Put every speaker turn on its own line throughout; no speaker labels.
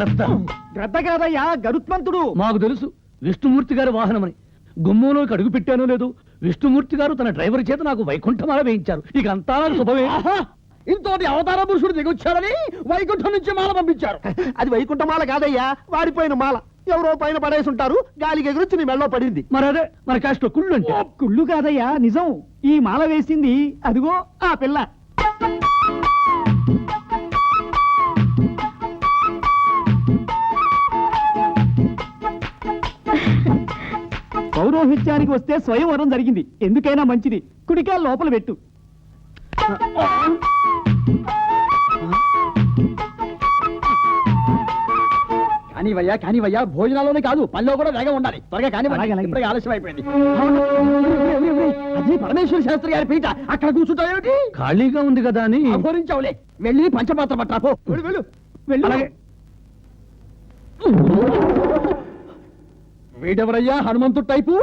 గ్రద్ద.
గ్రద్ద కాదయ్యా, గరుత్మంతుడు.
మాకు తెలుసు విష్ణుమూర్తి గారి వాహనమని. గుమ్మంలోకి అడుగు పెట్టానో లేదు, విష్ణుమూర్తి గారు తన డ్రైవర్ చేత నాకు వైకుంఠమాల వేయించారు. ఇక అంతా నాకు శుభమే.
ఇంతోటి అవతార పురుషుడు దిగొచ్చారని వైకుంఠం నుంచి మాల పంపించారు. అది వైకుంఠమాల కాదయ్యా, వాడిపోయిన మాల. ఎవరో పైన పడేసి ఉంటారు, గాలికి ఎగురొచ్చి నీ మెళ్ళో పడింది.
మరి అదే మన కాస్ట్ కుళ్ళు అంటే.
కుళ్ళు కాదయ్యా, నిజం. ఈ మాల వేసింది అదిగో ఆ పిల్ల. పౌరోహిత్యానికి వస్తే స్వయంవరం జరిగింది. ఎందుకైనా మంచిది, కుడికాయలు లోపల పెట్టు. కానివయ్యా, భోజనాల్లోనే కాదు పనిలో కూడా వేగం ఉండాలి. త్వరగా కానివ్వండి, ఆలస్యం అయిపోయింది. అది పరమేశ్వర శాస్త్రి గారి పీట, అక్కడ కూర్చుంటావేమిటి?
ఖాళీగా ఉంది కదా అని.
అఘోరించావులే, వెళ్ళి పంచపాత్ర పట్టాపో. వెళ్ళు. వీడెవరయ్యా, హనుమంతుడు టైపు?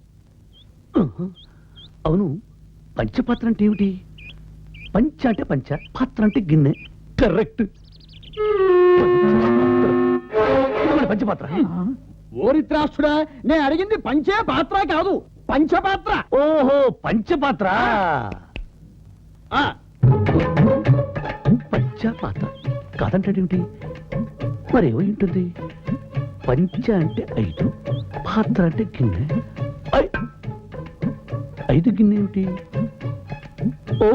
అవును, పంచపాత్ర అంటే ఏమిటి? పంచ అంటే పంచ, పాత్ర అంటే గిన్నె. కరెక్ట్. పంచపాత్ర.
ఓరిత్రాష్ట్రుడా, నేను అడిగింది పంచే పాత్ర కాదు, పంచపాత్ర.
ఓహో, పంచపాత్ర. పంచపాత్ర కాదంటాడేమిటి? మరేమో ఉంటుంది. పంచ అంటే 5, పాత్ర అంటే గిన్నె. 5 గిన్నె ఏమిటి? ఓ,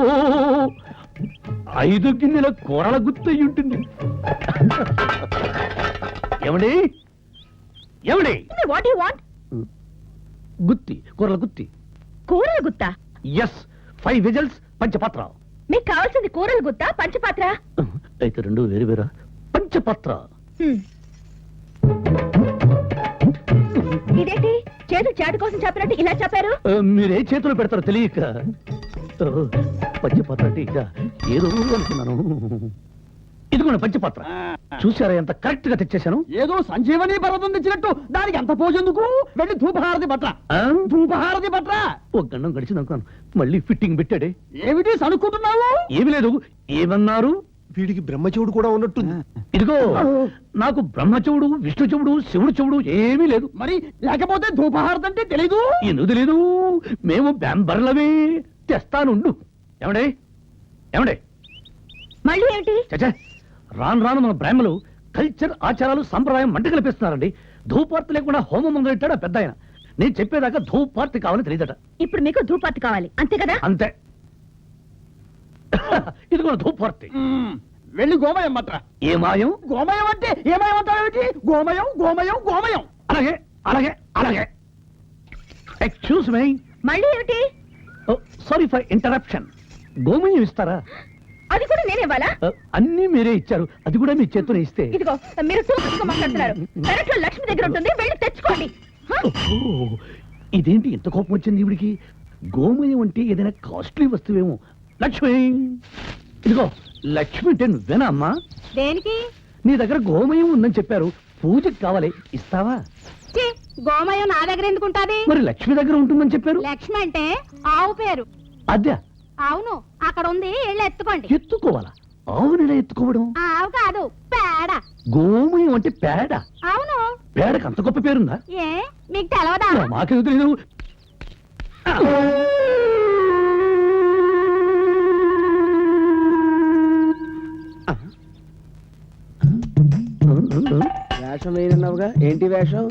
5 గిన్నెల కూరల గుర్తు అయి ఉంటుంది. ఏమండి?
What you want?
గుత్తి, కూరల గుత్తి.
కూరల గుత్తా?
Yes, 5 whistles, పంచపాత్ర.
మీకు కావాల్సింది కూరల గుత్తా, పంచపాత్ర?
అయితే రెండు వేరు వేరా? పంచపాత్ర.
ఇదేంటి చేతులు చాటు కోసం చెప్పినట్టు ఇలా చెప్పారు?
మీరే చేతులు పెడతారో తెలియక పంచపాత్ర అంటే ఇక ఏదో అనుకున్నాను. ఇదిగోండి పంచపాత్ర. చూసారా ఎంత కరెక్ట్ గా తెచ్చేశాను?
ఏదో సంజీవని పర్వతం తెచ్చినట్టు దానికి అంత పోజెందుకు? వెళ్ళి ధూపహారతి పట్ల. ధూపహారతి పట్ల.
ఒక గండం గడిచింది అనుకున్నాను, మళ్ళీ ఫిట్టింగ్ పెట్టాడే.
ఏమిటి సనుక్కుంటున్నావు?
ఏమి లేదు. ఏమన్నారు?
వీడికి బ్రహ్మచెవుడు కూడా ఉన్నట్టుంది.
ఇదిగో, నాకు బ్రహ్మచెవుడు, విష్ణు చెవుడు, శివుడు చెవుడు ఏమీ లేదు.
మరి లేకపోతే ధూపహారతి అంటే తెలీదు?
ఎందుకు తెలీదు? మేము బ్యాంబర్లమే. తెస్తానుండు. ఏమండే?
మళ్ళీ ఏమిటి?
చచ్చా, రాను మన బ్రాహ్మలు కల్చర్, ఆచారాలు, సంప్రదాయం మంట కల్పిస్తున్నారండి. ధూపార్తి లేకుండా హోమం మొదలెట్టాడు పెద్ద ఆయన. నేను చెప్పేదాకా ధూపార్తి కావాలని తెలియదట.
ఇప్పుడు మీకు ధూపార్తి కావాలి అంతే కదా?
అంతే. ఇది కూడా ధూపార్తి.
వెళ్ళి గోమయం మాత్ర.
ఏ మాయం?
గోమయం అంటే ఏమయం అంటావేమిటి? గోమయం.
అలాగే. Excuse me.
మళ్ళీ ఏమిటి?
Sorry for interruption. గోమయం ఇస్తారా?
అది కూడా నేనేవాలా?
అన్ని మీరే ఇచ్చారు, అది కూడా మీ చేతులు ఇస్తే.
ఇదిగో, మీరు తూపుగా మాట్లాడుతున్నారు. పెరట్లో లక్ష్మి దగ్గర ఉంటుంది, వెళ్ళి తెచ్చుకోండి.
ఇదేంటి ఇంత కోపం వచ్చింది ఇవిడికి? గోమయం అంటే ఏదైనా కాస్ట్లీ వస్తువేమో. లక్ష్మి, ఇదిగో లక్ష్మి అంటే నువ్వేనా అమ్మా?
దేనికి?
నీ దగ్గర గోమయం ఉందని చెప్పారు, పూజకి కావాలి, ఇస్తావా?
గోమయం నా దగ్గర ఎందుకుంటాది?
మరి లక్ష్మి దగ్గర ఉంటుందని చెప్పారు.
లక్ష్మి అంటే ఆవు పేరు.
అదే.
అవును, అక్కడ ఉంది, వెళ్ళి ఎత్తుకోండి.
ఎత్తుకోవాలా? ఆవునిలా ఎత్తుకోవడం?
ఆవు కాదు, పేడ.
గోమయం అంటే పేడ?
అవును.
పేడకు అంత గొప్ప పేరుందా?
ఏ, మీకు తెలవదా?
మాకెందుకు తెలీదు.
వేషం వేయనన్నావుగా, ఏంటి వేషం?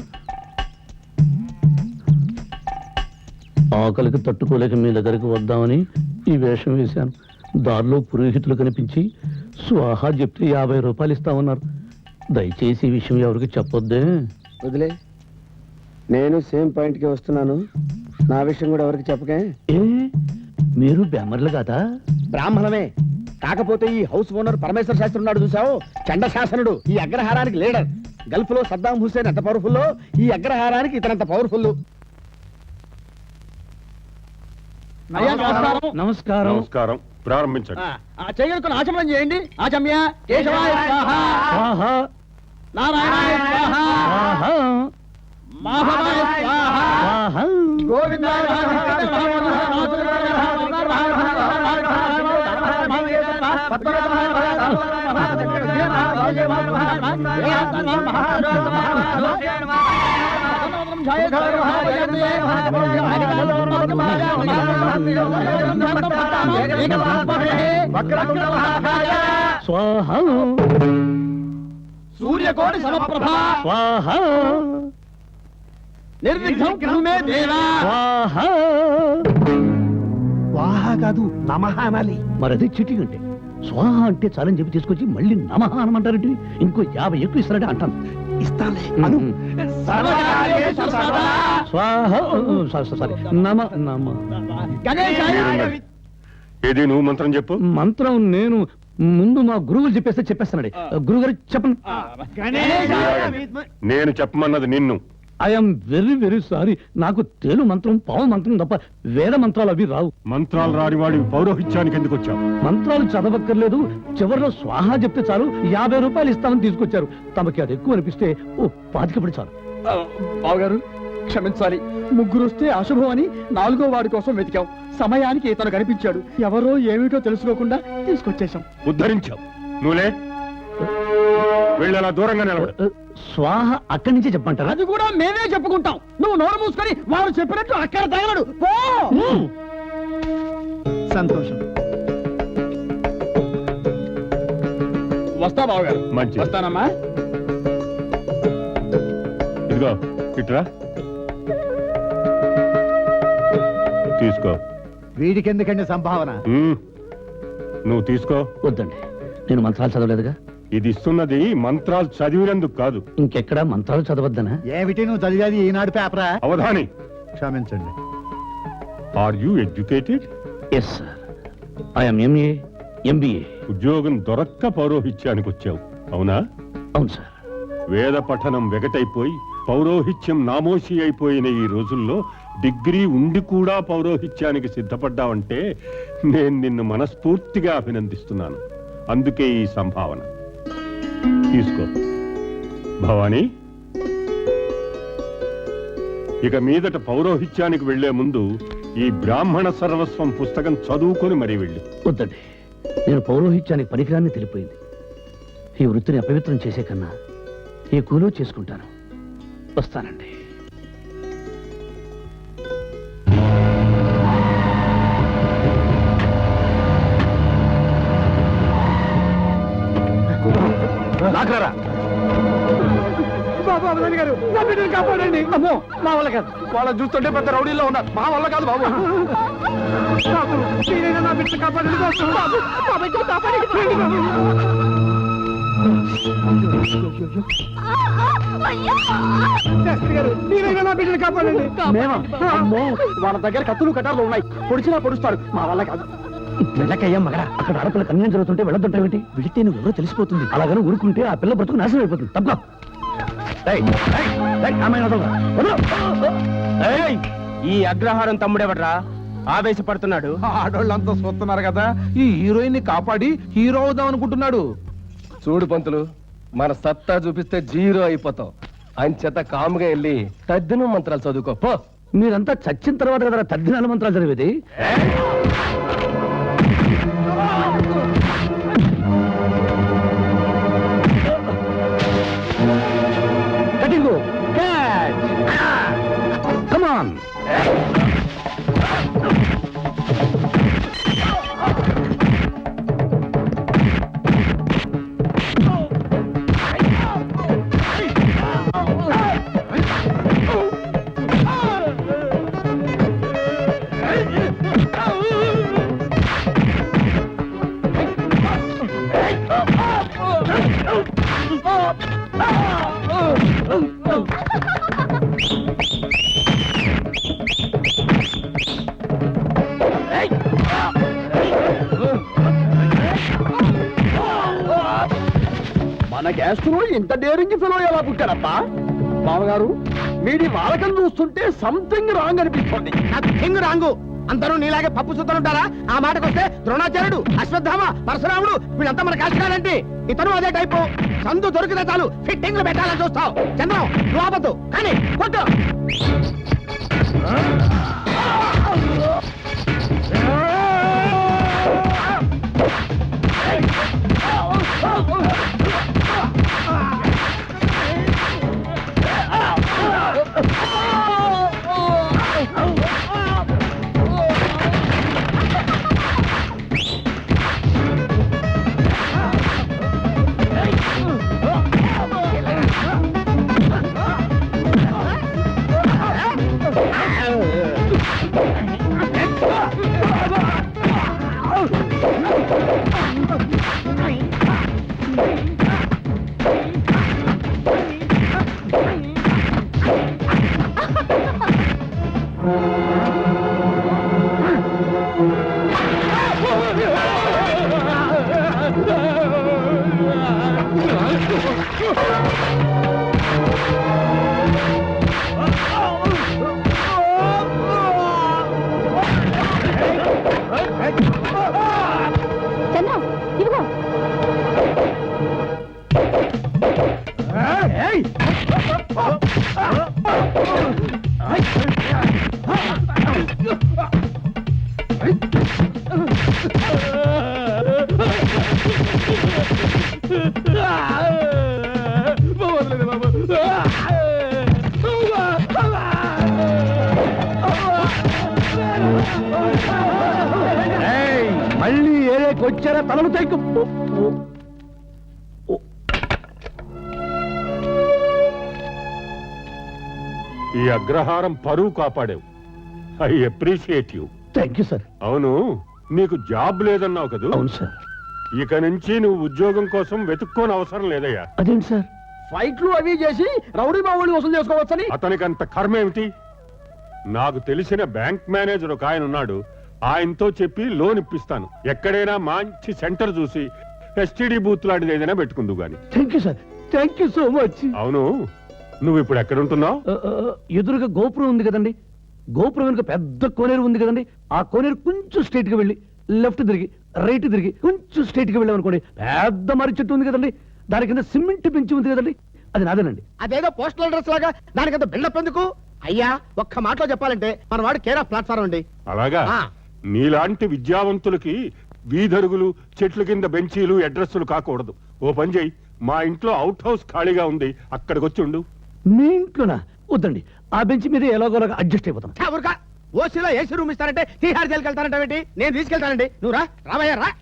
ఆకలికి తట్టుకోలేక మీ దగ్గరికి వద్దామని ఈ వేషం వేశాను. దారిలో పురోహితులు కనిపించి స్వాహా చెప్తే 50 రూపాయలు ఇస్తామన్నారు. దయచేసి ఈ విషయం ఎవరికి చెప్పొద్దే.
వదిలే, నేను సేమ్ పాయింట్ కి వస్తున్నాను. నా విషయం కూడా ఎవరికి చెప్పకే.
ఏ, మీరు బ్యామర్లు కాదా?
బ్రాహ్మణమే, కాకపోతే ఈ హౌస్ ఓనర్ పరమేశ్వర శాస్త్రి ఉన్నాడు చూసావు, చండ శాసనుడు, ఈ అగ్రహారానికి లీడర్. గల్ఫ్ లో సద్దాం హుస్సేన్ ఎంత పవర్ఫుల్లో, ఈ అగ్రహారానికి ఇతనంత పవర్ఫుల్.
నమస్కారం. ప్రారంభించండి.
చేయగలుగుతున్న ఆచమనం చేయండి. ఆచమ్య కేశవాయ స్వాహ, నారాయణాయ స్వాహ, మాధవాయ స్వాహ, గోవిందాయ
స్వాహ
సూర్యకోటి సమప్రభ
స్వాహ
నిర్విఘ్నం కురుమే దేవా
స్వాహ.
వాహ కాదు నమః అనాలి.
మరి అదే చీటీ అంటే స్వాహ అంటే చాలని చెప్పి తీసుకొచ్చి మళ్ళీ నమః అనమంటారంటే ఇంకో 50 ఎక్కువ ఇస్తారంటే అంటాను.
ఇస్తాలే అను.
సర్వకార్యేషు సర్వదా
స్వాహ సారీ నమ నమ.
గణేశాయ
ఏది నువ్వు మంత్రం చెప్పు.
మంత్రం నేను ముందు మా గురువులు చెప్పేస్తానండి. గురుగారు చెప్పండి.
గణేశాయ
నేను చెప్పమన్నది నిన్ను.
I'm very very sorry. నాకు తేలు మంత్రం పావు మంత్రం తప్ప వేద మంత్రాలు అవి రావు.
మంత్రాలు రాని వాడి పౌరోహిత్యానికి ఎందుకు వచ్చావు?
మంత్రాలు చదవక్కర్లేదు, చివరిలో స్వాహా చెప్తే చాలు 50 రూపాయలు ఇస్తామని తీసుకొచ్చారు. తమకి అది ఎక్కువ అనిపిస్తే ఓ 25 చాలు.
బావగారు క్షమించాలి, ముగ్గురు వస్తే అశుభం అని 4వ వాడి కోసం వెతికాం. సమయానికి ఇతను కనిపించాడు. ఎవరో ఏమిటో తెలుసుకోకుండా తీసుకొచ్చేశాం.
ఉద్ధరించావు. నువ్వులే వెళ్ళి అలా దూరంగా నిలబడు.
స్వాహ అక్కడి నుంచే చెప్పంటారా?
అది కూడా మేమే చెప్పుకుంటాం. నువ్వు నోరు మూసుకొని వారు చెప్పినట్టు అక్కడ తగలడు పో. సంతోషం. వస్తా బావగారు.
మంచిది.
వస్తానమ్మా.
ఇదిగో ఇట్రా తీసుకో.
వీడికి ఎందుకండి సంభావన?
నువ్వు తీసుకో.
వద్దండి, నేను మంత్రాలు చదవలేదుగా.
ఇది ఇస్తున్నది మంత్రాలు చదివినందుకు కాదు.
ఇంకెక్కడా మంత్రాలు చదవద్దనా?
ఏమిటి నువ్వు చదివేది ఈనాడు పేపరా?
అవధాని,
క్షమించండి.
Are you educated?
Yes sir, I'm MA MBA.
ఉద్యోగం దొరక్క పౌరోహిత్యానికి వచ్చావు, అవునా?
అవును సార్.
వేద పఠనం వెగటైపోయి పౌరోహిత్యం నామోషి అయిపోయిన ఈ రోజుల్లో డిగ్రీ ఉండి కూడా పౌరోహిత్యానికి సిద్ధపడ్డావంటే నేను నిన్ను మనస్ఫూర్తిగా అభినందిస్తున్నాను. అందుకే ఈ సంభావన తీసుకో. భవానీ, ఇక మీదట పౌరోహిత్యానికి వెళ్లే ముందు ఈ బ్రాహ్మణ సర్వస్వం పుస్తకం చదువుకొని మరీ వెళ్ళి.
వద్దండి, నేను పౌరోహిత్యానికి పనికిరాన్ని తెలిపోయింది. ఈ వృత్తిని అపవిత్రం చేసే కన్నా ఈ కూలో చేసుకుంటాను. వస్తానండి.
నాకరా బాబు అవధాని గారు, నా బిడ్డను కాపాడండి. అమ్మో, మా వల్ల కాదు. వాళ్ళని చూస్తుంటే పెద్ద రౌడీలో ఉన్నారు. మా వల్ల కాదు బాబు. బాబు, మీరైనా నా బిడ్డను కాపాడండి బాబు. బాబు, మా బిడ్డను కాపాడండి బాబు. శాస్త్రి గారు, మీరైనా నా బిడ్డను కాపాడండి. మేమా? అమ్మో, వాళ్ళ దగ్గర కత్తులు కటార్లు ఉన్నాయి. పొడిచినా పొడుస్తారు. మా వల్ల కాదు.
వెళ్ళకయ్యా మగడా, అక్కడ ఆడపిల్ల కన్యం జరుగుతుంటే వెళ్ళొద్దంటావేంటి? వెళితే నువ్వు ఎవరో తెలిసిపోతుంది. అలాగని ఊరుకుంటే ఆ పిల్ల బ్రతుకు నాశనం అయిపోతుంది. తప్ప
ఈ అగ్రహారం తమ్ముడెవడ్రా ఆవేశపడుతున్నాడు? ఆడోళ్ళంతా చూస్తున్నారు కదా, ఈ హీరోయిన్ ని కాపాడి హీరో అవుదాం అనుకుంటున్నాడు.
చూడు పంతులు, మన సత్తా చూపిస్తే జీరో అయిపోతాం. అంచేత కాముగా వెళ్ళి తద్దిన మంత్రాలు చదువుకో పో.
మీరంతా చచ్చిన తర్వాత కదా తద్దినాల మంత్రాలు చదివేది. Cutting catch, come on.
మన గ్యాస్ట్రో ఇంత డేరింగ్ ఫెలో ఎలా పుట్టారప్పా? బావగారు, వీడి వాలకం చూస్తుంటే సంథింగ్ రాంగ్ అనిపిస్తుంది. Nothing wrong. అందరూ నీలాగే పప్పు చూస్తుంటారా? ఆ మాటకొస్తే ద్రోణాచార్యుడు, అశ్వత్థామ, పరశురాముడు వీళ్ళంతా మన కాల్చడాలంటే ఇతను అదే టైపు. సందు దొరికితే చాలు ఫిట్టింగ్లు పెట్టాలని చూస్తావు. చంద్రం, నువ్వు ఆపద్దు కానీ కొట్టు.
చంద్రం ఇదిగో
మళ్ళీ ఏరేకి వచ్చారా తలము తైకు
ఈ అగ్రహారం పరువు కాపాడావు. I appreciate you.
Thank you sir.
అవును, నీకు జాబ్ లేదన్నావు కదూ.
అవును సార్.
ఇక నుంచి నువ్వు ఉద్యోగం కోసం వెతుక్కోని అవసరం లేదయ్యా.
అదేంటి సార్?
ఫైట్లు అవి చేసి రౌడీ బావుని వసూలు చేసుకోవచ్చని.
అతనికి అంత కర్మ ఏమిటి? నాకు తెలిసిన బ్యాంక్ మేనేజర్ ఒక ఆయన ఉన్నాడు. ఆయనతో చెప్పి లోన్ ఇప్పిస్తాను. ఎక్కడైనా మంచి సెంటర్ చూసి ఎస్టీడీ బూత్ లాంటిది ఏదైనా పెట్టుకుందు గాని.
Thank you sir. Thank you so much.
అవును, నువ్వు ఇప్పుడు ఎక్కడుంటున్నావు?
ఎదురుగా గోపురం ఉంది కదండి, గోపురం వెనుక పెద్ద కోనేరు ఉంది కదండి, ఆ కోనేరు కొంచెం స్ట్రైట్ గా వెళ్ళి లెఫ్ట్ తిరిగి రైట్ తిరిగి కొంచెం స్ట్రైట్ గా వెళ్ళామనుకోండి పెద్ద మర్రి చెట్టు ఉంది కదండి, దాని కింద సిమెంట్ పెంచి ఉంది కదండి, అది నాదేనండి.
అదేదో పోస్టల్ అడ్రస్ లాగా దానికంత బిల్డప్ ఎందుకు? అయ్యా ఒక్క మాటలో చెప్పాలంటే మన వాడు కేర్ ఆఫ్ ప్లాట్ఫారం అండి.
అలాగా?
ఆ.
నీలాంటి విద్యావంతులకి వీధరుగులు, చెట్ల కింద బెంచీలు, అడ్రస్లు కాకూడదు. ఓ పని చేయి, మా ఇంట్లో అవుట్ హౌస్ ఖాళీగా ఉంది, అక్కడికి వచ్చి ఉండు.
మీ ఇంట్లోనా? వద్దండి, ఆ బెంచ్ మీద ఎలాగోలాగా అడ్జస్ట్ అయిపోతాం.
ఊరుకా, ఓసీలో ఏసీ రూమ్ ఇస్తారంటే తీహార్ జైలుకి వెళ్తారంటే నేను తీసుకెళ్తానండి. నువ్వు రా, రావయ్యా రా.